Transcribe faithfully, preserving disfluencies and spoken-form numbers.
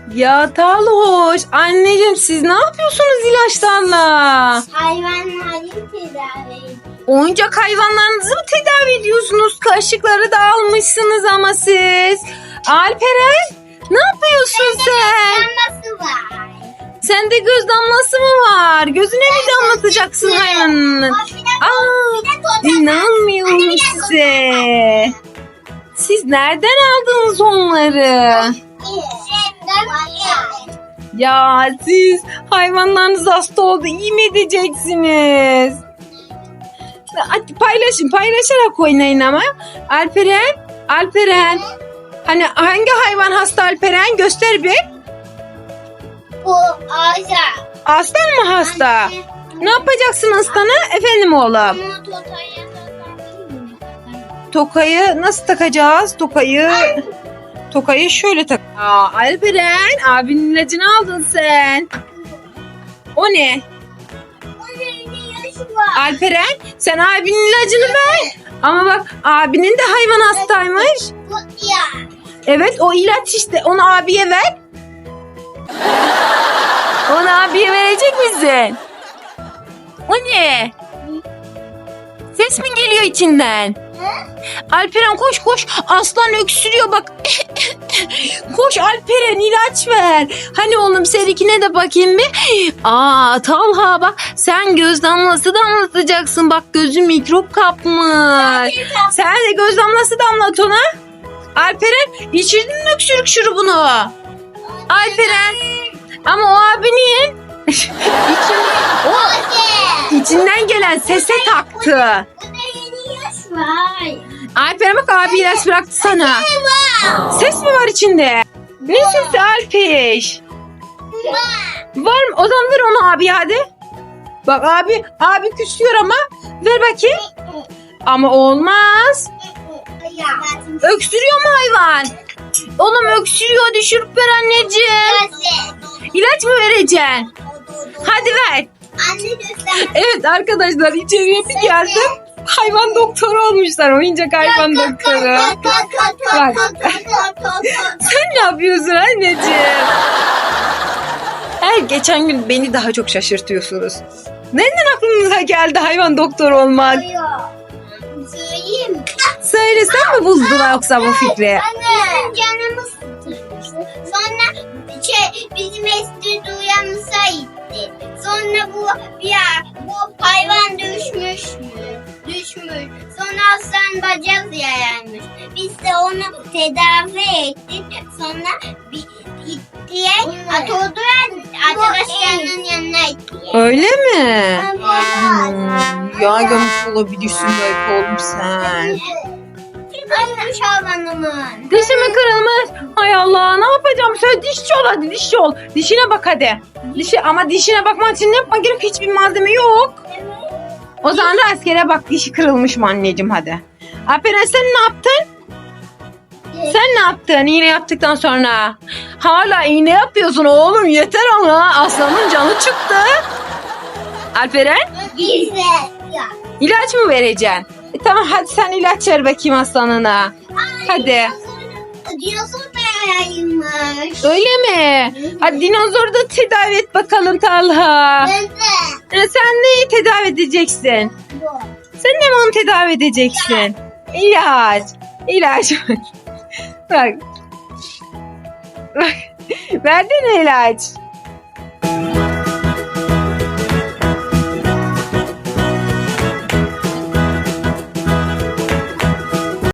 Ya Talhoş, anneciğim siz ne yapıyorsunuz ilaçlarla? Hayvanları tedavi ediyor. Oyuncak hayvanlarınızı mı tedavi ediyorsunuz? Kaşıkları da almışsınız ama siz. Alperen, ne yapıyorsun sen? Damlası var. Sende göz damlası mı var? Gözüne mi damlatacaksın hayvanın? Aa, inanmıyorum size. Siz nereden aldınız onları? Ya siz hayvanlarınız hasta oldu, iyi mi edeceksiniz? Hadi paylaşın, paylaşarak oynayın ama. Alperen, Alperen. Hani hangi hayvan hasta Alperen? Göster bir. Bu ağaca. Aslan mı hasta? Ne yapacaksın aslana? Efendim oğlum. Bunu totaya takabilir miyim? Tokayı nasıl takacağız? Tokayı Tokayı şöyle tak. Aa, Alperen, abinin ilacını aldın sen. O ne? Onun yaşı var. Alperen, sen abinin ilacını ver. Ama bak, abinin de hayvan hastaymış. Bu ya. Evet, o ilaç işte. Onu abiye ver. Onu abiye verecek misin? O ne? Ses mi geliyor içinden? Alperen koş koş. Aslan öksürüyor bak. Koş Alperen, ilaç ver. Hani oğlum seninkine de bakayım bir. Aa Talha bak, sen göz damlası damlatacaksın. Bak gözü mikrop kapmış. Sen de göz damlası damlat ona. Alperen, içirdin mi öksürük şurubunu? Alperen. Ama o abinin için, o içinden gelen sese taktı. Bu da yeni yaş var. Alperen bak, abi ilaç bıraktı sana. Ses mi var içinde? Ne sesi Alpiş? Var mı? O zaman ver onu abi hadi. Bak abi, abi küsüyor ama. Ver bakayım. Ama olmaz. Ya. Öksürüyor mu hayvan? Oğlum öksürüyor, düşürüp ver anneciğim. İlaç mı vereceksin? Hadi ver. Anne göster. Evet arkadaşlar, içeriye bir geldim. Hayvan doktoru olmuşlar. Oyuncak hayvan doktoru. Bak. Sen ne yapıyorsun anneciğim? Her geçen gün beni daha çok şaşırtıyorsunuz. Nereden aklınıza geldi hayvan doktoru olmak? Söyleyeyim. Söyle, sen mi buldun yoksa bu fikri? Anne. Canımız sıkılmıştı. Sonra şey, bizim estüdyo uyanmışa gitti. Sonra bu ya bu hayvan düşmüş mü? Düşmüş. Sonra aslan bacak yayarmış. Biz de onu tedavi ettik. Sonra bir gittiye atıldı arkadaşlarının yanına gitti. Öyle mi? Hmm, ya yanlış olabilirsin belki oğlum sen. Kırılmış hayvanımın. Dişi mi kırılmış? Hay Allah, ne yapacağım? Söyle, dişçi ol hadi, dişçi ol. Dişine bak hadi. Dişi, ama dişine bakmak için ne yapmak gerek? Hiçbir malzeme yok. O zaman rastgele bak, dişi kırılmış mı anneciğim hadi. Alperen, sen ne yaptın? Sen ne yaptın iğne yaptıktan sonra? Hala iğne yapıyorsun oğlum, yeter ama aslanın canı çıktı. Alperen, Güzel. Ya. ilaç mı vereceksin? E, tamam hadi sen ilaç ver bakayım aslanına. Hadi. Dinozor da yayılmış. Öyle mi? Hadi dinozoru da tedavi et bakalım Talha. Evet. E, sen neyi tedavi edeceksin? Bu. Sen de mi onu tedavi edeceksin? İlaç. İlaç. Bak. Bak. Verdin mi ilaç?